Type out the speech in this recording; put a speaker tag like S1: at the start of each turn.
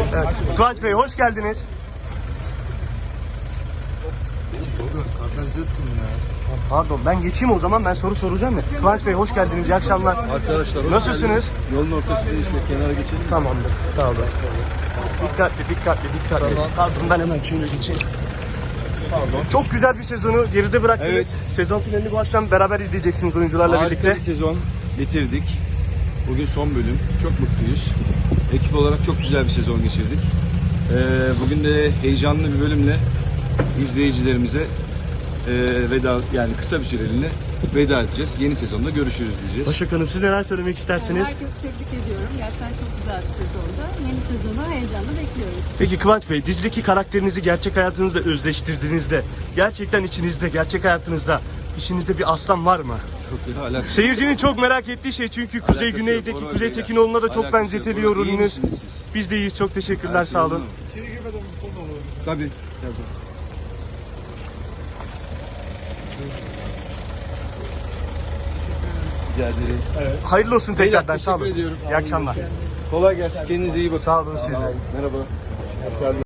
S1: Evet. Kıvanç Bey hoş geldiniz. Pardon ben geçeyim o zaman, ben soru soracağım ya. Kıvanç Bey hoş geldiniz, iyi akşamlar.
S2: Arkadaşlar hoş
S1: Nasılsınız?
S2: geldiniz. Yolun ortasındayız, şu kenara geçelim.
S1: Tamamdır, sağ olun. Dikkatli.
S2: Tamam.
S1: Pardon ben hemen şöyle geçeyim. Pardon. Çok güzel bir sezonu geride bıraktınız.
S2: Evet.
S1: Sezon finalini bu akşam beraber izleyeceksiniz oyuncularla
S2: Harika
S1: birlikte.
S2: bir sezon bitirdik. Bugün son bölüm. Çok mutluyuz. Ekip olarak çok güzel bir sezon geçirdik. Bugün de heyecanlı bir bölümle izleyicilerimize veda, yani kısa bir süreliğine veda edeceğiz. Yeni sezonda görüşürüz diyeceğiz.
S1: Başak Hanım siz neler söylemek istersiniz?
S3: Herkesi tebrik ediyorum. Gerçekten çok güzel bir sezonda. Yeni sezonu heyecanla bekliyoruz.
S1: Peki Kıvanç Bey, dizideki karakterinizi gerçek hayatınızda özleştirdiğinizde, gerçekten içinizde, gerçek hayatınızda, işinizde bir aslan var mı?
S2: Çok da alakası.
S1: Seyircinin çok merak ettiği şey, çünkü Kuzey
S2: Alakası
S1: Güney'deki
S2: yok, Bora
S1: Kuzey
S2: Bey'le.
S1: Tekinoğlu'na da çok
S2: Alakası
S1: benzetiliyor
S2: yok. Bora, iyi
S1: rolünüz.
S2: misiniz siz?
S1: Biz de iyiyiz, çok teşekkürler,
S2: Her
S1: sağ
S2: şey
S1: olun.
S2: yolunda mı? Tabii. Rica ederim.
S1: Hayırlı olsun
S2: Beyler,
S1: tekrardan, sağ olun.
S2: teşekkür ediyorum.
S1: İyi akşamlar.
S2: Kolay gelsin. Kendinize iyi bakın.
S1: Sağ olun siz de.
S2: Merhaba.